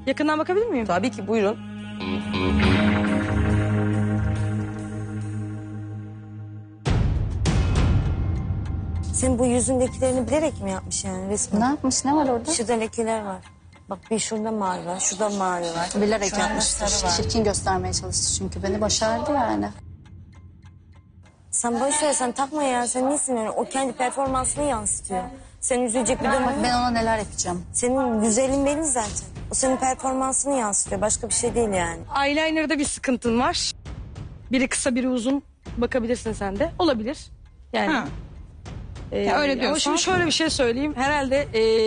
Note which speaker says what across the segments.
Speaker 1: Yakından bakabilir miyim?
Speaker 2: Tabii ki, buyurun.
Speaker 3: Senin bu yüzündekilerini bilerek mi yapmış yani resmen?
Speaker 4: Ne yapmış? Ne var orada?
Speaker 3: Şurada lekeler var. Bak bir şurada mavi var, şurada mavi var.
Speaker 4: Bilerek
Speaker 3: Şurada
Speaker 4: yapmıştır.
Speaker 3: sarı var.
Speaker 4: Çirkin göstermeye çalıştı çünkü. Beni başardı yani.
Speaker 3: Sen boş ver, sen takma ya. Sen nesin öyle? O kendi performansını yansıtıyor. Senin üzülecek bir durum
Speaker 4: Bak
Speaker 3: yok.
Speaker 4: ben ona neler yapacağım.
Speaker 3: Senin güzelin benim zaten. O senin performansını yansıtıyor. Başka bir şey değil yani.
Speaker 1: Eyeliner'da bir sıkıntın var. Biri kısa biri uzun. Bakabilirsin sen de. Olabilir. Yani.
Speaker 5: Ha. Ya öyle
Speaker 1: Ama
Speaker 5: diyorsan.
Speaker 1: şimdi şöyle bir şey söyleyeyim. Herhalde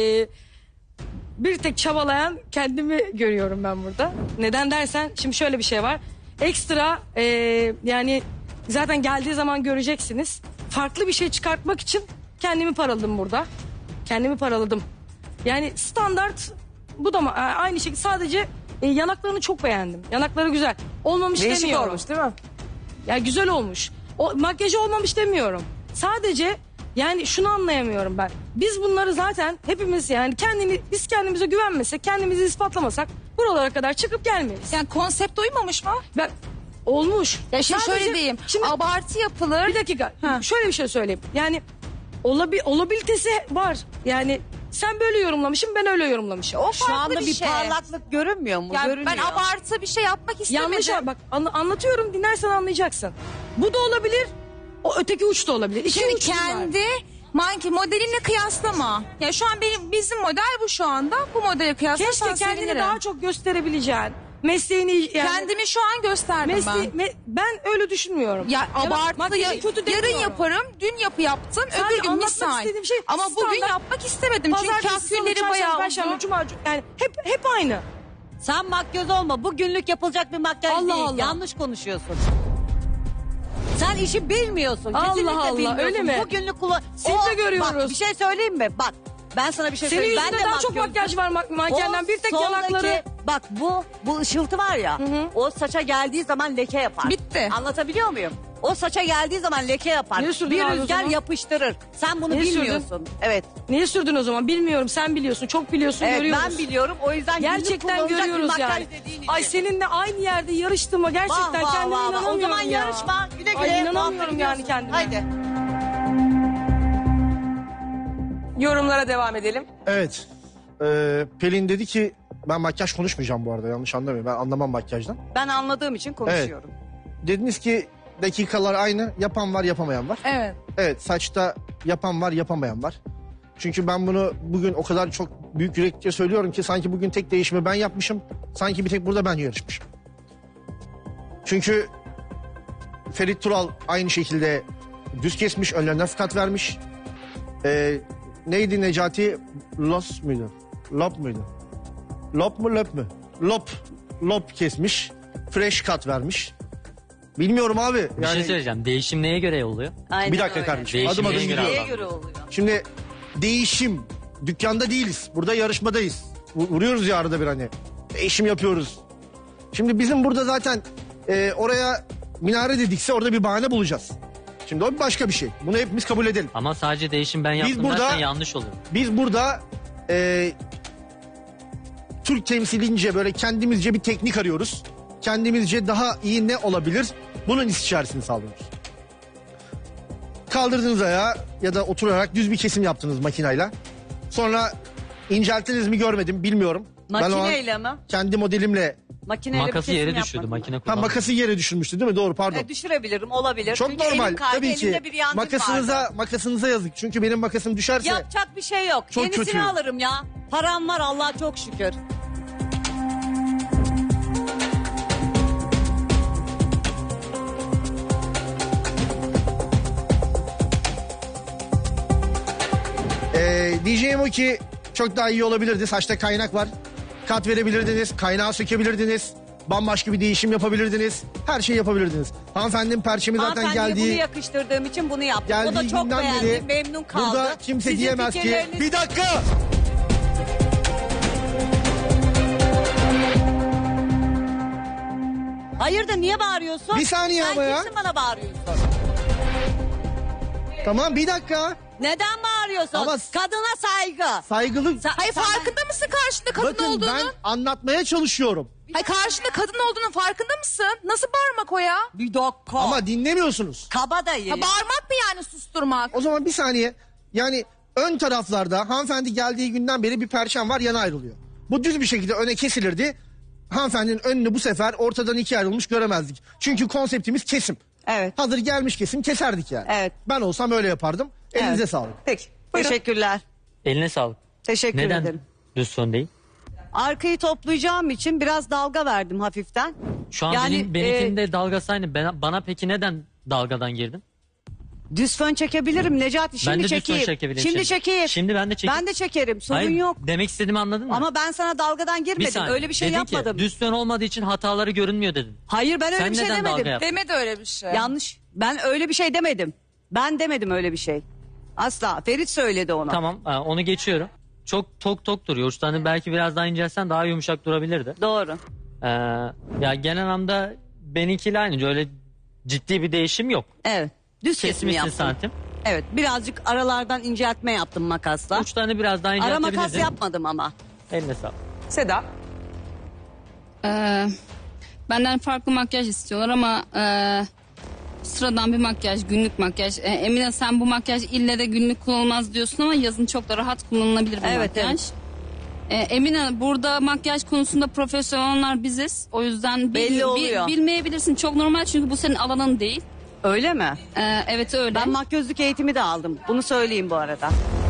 Speaker 1: bir tek çabalayan kendimi görüyorum ben burada. Neden dersen şimdi şöyle bir şey var. Ekstra yani zaten geldiği zaman göreceksiniz. Farklı bir şey çıkartmak için kendimi paraladım burada. Kendimi paraladım. Yani standart bu da aynı şekilde, sadece yanaklarını çok beğendim. Yanakları güzel. Olmamış
Speaker 2: Değişik
Speaker 1: demiyorum.
Speaker 2: olmuş değil mi?
Speaker 1: Ya güzel olmuş. O makyajı olmamış demiyorum. Sadece yani şunu anlayamıyorum ben. Biz bunları zaten hepimiz yani biz kendimize güvenmesek, kendimizi ispatlamasak buralara kadar çıkıp gelmeyiz.
Speaker 5: Yani konsept uymamış mı?
Speaker 1: Ben olmuş.
Speaker 5: Ya şimdi
Speaker 1: Sadece-
Speaker 5: şöyle diyeyim.
Speaker 1: Şimdi
Speaker 5: Abartı yapılır.
Speaker 1: bir dakika.
Speaker 5: Ha.
Speaker 1: Şöyle bir şey söyleyeyim. Yani olabilitesi var. Yani sen böyle yorumlamışsın, ben öyle yorumlamışım.
Speaker 5: O
Speaker 6: Şu
Speaker 5: farklı
Speaker 6: anda bir
Speaker 5: şey.
Speaker 6: parlaklık görünmüyor mu?
Speaker 5: Yani
Speaker 6: Görünüyor.
Speaker 5: ben abartı bir şey yapmak istemedim.
Speaker 1: Yanlış bak anlatıyorum, dinlersen anlayacaksın. Bu da olabilir. O öteki uç da olabilir. İki
Speaker 5: Şimdi
Speaker 1: uç var.
Speaker 5: kendi manki modelinle kıyaslama. Ya şu an bizim model bu şu anda. Bu modele kıyaslarsan
Speaker 1: Keşke kendini
Speaker 5: sevinirim.
Speaker 1: daha çok gösterebileceğin. Mesleğini yani.
Speaker 5: Kendimi şu an gösterdim ben.
Speaker 1: Ben öyle düşünmüyorum.
Speaker 5: Ya abartı
Speaker 1: makyajı kötü
Speaker 5: yarın
Speaker 1: demiyorum.
Speaker 5: yaparım, dün yaptım,
Speaker 1: Sadece
Speaker 5: öbür gün
Speaker 1: anlatmak
Speaker 5: misal.
Speaker 1: istediğim şey
Speaker 5: Ama bugün
Speaker 1: standart.
Speaker 5: yapmak istemedim çünkü
Speaker 1: Pazartesi, salı,
Speaker 5: kahkülleri
Speaker 1: çarşamba,
Speaker 5: bayağı
Speaker 1: perşembe,
Speaker 5: uzun.
Speaker 1: cuma, yani hep aynı.
Speaker 6: Sen makyöz olma. Bu günlük yapılacak bir makyaj
Speaker 1: Allah
Speaker 6: değil.
Speaker 1: Allah.
Speaker 6: Yanlış konuşuyorsun. Sen işi bilmiyorsun.
Speaker 1: Allah
Speaker 6: Kesinlikle
Speaker 1: Allah,
Speaker 6: bilmiyorsun.
Speaker 1: öyle mi?
Speaker 6: Bu günlük kullan...
Speaker 1: Seni de görüyoruz.
Speaker 6: Bak bir şey söyleyeyim mi? Bak ben sana bir şey
Speaker 1: Senin
Speaker 6: söyleyeyim.
Speaker 1: yüzünde
Speaker 6: Ben de
Speaker 1: daha çok makyaj var mankenden. Bir tek yanakları.
Speaker 6: Bak bu ışıltı var ya. O saça geldiği zaman leke yapar.
Speaker 5: Bitti.
Speaker 6: Anlatabiliyor muyum? O saça geldiği zaman leke yapar.
Speaker 1: Niye sürdün
Speaker 6: Bir
Speaker 1: abi o
Speaker 6: rüzgar
Speaker 1: zaman?
Speaker 6: yapıştırır. Sen bunu
Speaker 1: Niye sürdün?
Speaker 6: bilmiyorsun. Evet.
Speaker 1: Niye sürdün o zaman? Bilmiyorum, sen biliyorsun. Çok biliyorsun,
Speaker 6: Evet
Speaker 1: görüyoruz.
Speaker 6: ben biliyorum. O yüzden günlük
Speaker 1: Gerçekten
Speaker 6: kullanılacak bir
Speaker 1: görüyoruz
Speaker 6: makyaj
Speaker 1: yani.
Speaker 6: dediğin için.
Speaker 1: Ay seninle aynı yerde yarıştığıma gerçekten kendime inanamıyorum
Speaker 6: O zaman
Speaker 1: ya.
Speaker 6: yarışma. Güle güle.
Speaker 1: Ay inanamıyorum
Speaker 6: Muhabbet
Speaker 1: yani
Speaker 6: ediyorsun.
Speaker 1: kendime.
Speaker 6: Haydi.
Speaker 2: Yorumlara devam edelim.
Speaker 7: Evet. Pelin dedi ki ben makyaj konuşmayacağım bu arada, yanlış anlamayın. Ben anlamam makyajdan.
Speaker 6: Ben anladığım için konuşuyorum.
Speaker 7: Dediniz ki dakikalar aynı, yapan var yapamayan var.
Speaker 5: Evet.
Speaker 7: Evet, saçta yapan var yapamayan var. Çünkü ben bunu bugün o kadar çok büyük yürekle söylüyorum ki sanki bugün tek değişimi ben yapmışım. Sanki bir tek burada ben yarışmışım. Çünkü Ferit Tural aynı şekilde düz kesmiş, önlerine kat vermiş. Neydi Necati? Los muydu? Lop muydu? Lop mu löp mü? Lop kesmiş. Fresh kat vermiş. Bilmiyorum abi.
Speaker 8: Bir şey söyleyeceğim. Değişim neye göre oluyor?
Speaker 6: Aynen
Speaker 7: Bir dakika
Speaker 6: öyle.
Speaker 7: kardeşim.
Speaker 8: Değişim
Speaker 7: Adım adım
Speaker 8: neye göre
Speaker 7: gidiyorum.
Speaker 6: Neye göre oluyor?
Speaker 7: Şimdi değişim. Dükkanda değiliz. Burada yarışmadayız. Vuruyoruz ya arada bir hani. Değişim yapıyoruz. Şimdi bizim burada zaten oraya minare dedikse orada bir bahane bulacağız. Şimdi o başka bir şey. Bunu hepimiz kabul edelim.
Speaker 8: Ama sadece değişim ben yaptım
Speaker 7: burada-
Speaker 8: dersen yanlış olur.
Speaker 7: Biz burada Türk temsilince böyle kendimizce bir teknik arıyoruz. Kendimizce daha iyi ne olabilir? Bunun istişaresini sağlıyoruz. Kaldırdınız ayağı ya da oturarak düz bir kesim yaptınız makinayla. Sonra incelttiniz mi görmedim, bilmiyorum. Ben o an
Speaker 6: Makineyle mi?
Speaker 7: kendi modelimle
Speaker 6: Makineyle bir
Speaker 8: Makası
Speaker 6: kesim
Speaker 8: yere
Speaker 6: yapmadım.
Speaker 8: düşürdü. Makine
Speaker 7: ha,
Speaker 8: kullanmadı.
Speaker 7: makası yere düşürmüştü değil mi? Doğru, pardon.
Speaker 6: Düşürebilirim, olabilir.
Speaker 7: Çok
Speaker 6: Çünkü
Speaker 7: normal
Speaker 6: elim kaydı,
Speaker 7: tabii ki.
Speaker 6: elimde bir yangın vardı.
Speaker 7: Makasınıza yazık. Çünkü benim makasım düşerse
Speaker 6: Yapacak bir şey yok.
Speaker 7: Çok
Speaker 6: Yenisini
Speaker 7: kötü.
Speaker 6: alırım ya. Param var Allah'a çok şükür.
Speaker 7: diyeceğim o ki çok daha iyi olabilirdi. Saçta kaynak var. Kat verebilirdiniz. Kaynağı sökebilirdiniz. Bambaşka bir değişim yapabilirdiniz. Her şeyi yapabilirdiniz. Hanımefendinin perçemi zaten
Speaker 6: Hanımefendiye bunu
Speaker 7: geldiği...
Speaker 6: yakıştırdığım için bunu yaptım. O da
Speaker 7: Geldiği
Speaker 6: çok
Speaker 7: günden
Speaker 6: beğendi,
Speaker 7: beri
Speaker 6: memnun kaldı.
Speaker 7: burada kimse
Speaker 6: Sizin
Speaker 7: diyemez ki...
Speaker 6: fikirleriniz-
Speaker 7: Bir dakika!
Speaker 6: Hayırdır niye bağırıyorsun?
Speaker 7: Bir saniye ama ya.
Speaker 6: Sen kimsin bana bağırıyorsun?
Speaker 7: Tamam bir dakika.
Speaker 6: Neden bağırıyorsun? veriyorsun.
Speaker 7: Ama-
Speaker 6: Kadına saygı.
Speaker 7: Saygılı.
Speaker 5: Hayır farkında mısın karşında kadın
Speaker 7: Bakın
Speaker 5: olduğunu?
Speaker 7: ben anlatmaya çalışıyorum.
Speaker 5: Hayır karşında kadın olduğunun farkında mısın? Nasıl bağırmak o ya?
Speaker 6: Bir dakika.
Speaker 7: Ama dinlemiyorsunuz.
Speaker 6: Kabadayı.
Speaker 5: Ha, bağırmak mı yani susturmak?
Speaker 7: O zaman bir saniye. Yani ön taraflarda hanımefendi geldiği günden beri bir perçem var, yana ayrılıyor. Bu düz bir şekilde öne kesilirdi. Hanımefendinin önünü bu sefer ortadan ikiye ayrılmış göremezdik. Çünkü konseptimiz kesim.
Speaker 6: Evet.
Speaker 7: Hazır gelmiş kesim keserdik yani.
Speaker 6: Evet.
Speaker 7: Ben olsam öyle yapardım. Elinize
Speaker 6: Evet.
Speaker 7: sağlık.
Speaker 2: Peki. Buyurun.
Speaker 6: Teşekkürler.
Speaker 8: Eline sağlık.
Speaker 6: Teşekkür
Speaker 8: Neden
Speaker 6: ederim.
Speaker 8: düz fön değil?
Speaker 6: Arkayı toplayacağım için biraz dalga verdim hafiften.
Speaker 8: Şu an
Speaker 6: Yani,
Speaker 8: benimkinin de dalgası aynı. Bana peki neden dalgadan girdin?
Speaker 6: Düz fön çekebilirim Necati. Şimdi
Speaker 8: ben de düz
Speaker 6: çekeyim.
Speaker 8: fön çekebilirim.
Speaker 6: Şimdi çekeyim.
Speaker 8: Şimdi ben de çekeyim.
Speaker 6: Ben de çekerim. Sorun
Speaker 8: Hayır,
Speaker 6: yok.
Speaker 8: demek istediğimi anladın mı?
Speaker 6: Ama ben sana dalgadan
Speaker 8: Bir
Speaker 6: girmedim.
Speaker 8: saniye.
Speaker 6: Öyle bir şey
Speaker 8: Dedin
Speaker 6: yapmadım.
Speaker 8: Ki, düz fön olmadığı için hataları görünmüyor dedin.
Speaker 6: Hayır ben öyle
Speaker 8: Sen
Speaker 6: bir şey
Speaker 8: neden dalga
Speaker 6: demedim.
Speaker 8: yaptın?
Speaker 5: Demedi öyle bir şey.
Speaker 6: Yanlış. Ben öyle bir şey demedim. Ben demedim öyle bir şey. Asla. Ferit söyledi ona.
Speaker 8: Tamam onu geçiyorum. Çok tok duruyor. Uçlarını belki biraz daha incelsen daha yumuşak durabilirdi.
Speaker 6: Doğru.
Speaker 8: Ya genel anlamda benimkiyle aynı. Öyle ciddi bir değişim yok.
Speaker 6: Evet. Düz kesim
Speaker 8: Kesmişsin
Speaker 6: yaptım.
Speaker 8: santim.
Speaker 6: Evet. Birazcık aralardan inceltme yaptım makasla.
Speaker 8: Uçlarını biraz daha
Speaker 6: Ara
Speaker 8: inceltebilirdin.
Speaker 6: makas yapmadım ama.
Speaker 8: Eline sağlık.
Speaker 2: Seda.
Speaker 9: Benden farklı makyaj istiyorlar ama sıradan bir makyaj, günlük makyaj. Emine sen bu makyaj ille de günlük kullanılmaz diyorsun ama yazın çok da rahat kullanılabilir bir
Speaker 6: Evet,
Speaker 9: makyaj. Emine burada makyaj konusunda profesyoneller biziz. O yüzden
Speaker 6: Belli oluyor.
Speaker 9: bilmeyebilirsin. Çok normal çünkü bu senin alanın değil.
Speaker 6: Öyle mi?
Speaker 9: Evet öyle.
Speaker 6: Ben makyözlük eğitimi de aldım. Bunu söyleyeyim bu arada.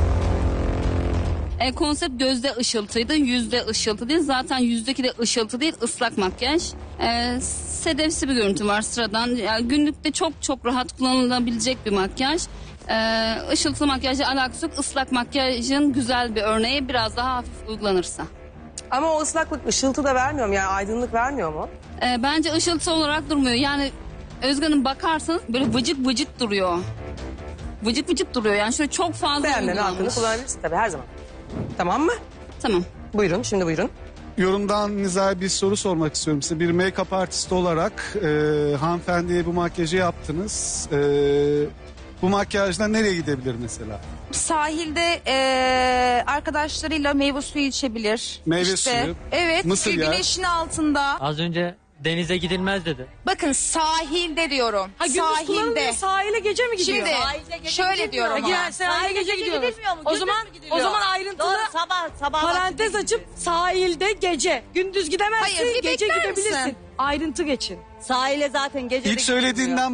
Speaker 9: Konsept gözde ışıltıydı, yüzde ışıltı değil. Zaten yüzdeki de ışıltı değil, ıslak makyaj. Sedefsi bir görüntü var sıradan. Yani günlükte çok rahat kullanılabilecek bir makyaj. Işıltılı makyajla alakası yok. Islak makyajın güzel bir örneği biraz daha hafif uygulanırsa.
Speaker 2: Ama o ıslaklık ışıltı da vermiyor mu? Yani aydınlık vermiyor mu?
Speaker 9: Bence ışıltı olarak durmuyor. Yani Özge Hanım bakarsanız böyle vıcık vıcık duruyor. Vıcık vıcık duruyor. Yani şöyle çok fazla
Speaker 2: Beğenmenin hakkını
Speaker 9: uygulanmış.
Speaker 2: kullanabilirsin tabii her zaman. Tamam mı?
Speaker 9: Tamam.
Speaker 2: Buyurun şimdi buyurun.
Speaker 10: Yorumdan nizai bir soru sormak istiyorum size. Bir make-up artisti olarak hanımefendiye bu makyajı yaptınız. Bu makyajla nereye gidebilir mesela?
Speaker 5: Sahilde arkadaşlarıyla meyve suyu içebilir.
Speaker 10: Meyve suyu,
Speaker 5: Evet.
Speaker 10: mısır yağı.
Speaker 5: Güneşin altında.
Speaker 8: Az önce denize gidilmez dedi.
Speaker 5: Bakın sahilde diyorum.
Speaker 1: Ha, gündüz kullanılmıyor, sahile gece mi gidiyor?
Speaker 5: Şimdi şöyle diyorum ama.
Speaker 1: Ya, sahile gece gidiyoruz.
Speaker 6: gidilmiyor mu?
Speaker 1: O
Speaker 6: Gündüz
Speaker 1: zaman
Speaker 6: mü gidiliyor?
Speaker 1: o zaman ayrıntılı
Speaker 6: Doğru sabah
Speaker 1: parantez
Speaker 6: vakti
Speaker 1: açıp sahilde gece. Gündüz gidemezsin,
Speaker 5: Hayır, bir
Speaker 1: gece
Speaker 5: bekler
Speaker 1: gidebilirsin.
Speaker 5: misin?
Speaker 1: Ayrıntı geçin.
Speaker 6: Sahile zaten gece de
Speaker 10: İlk söylediğinden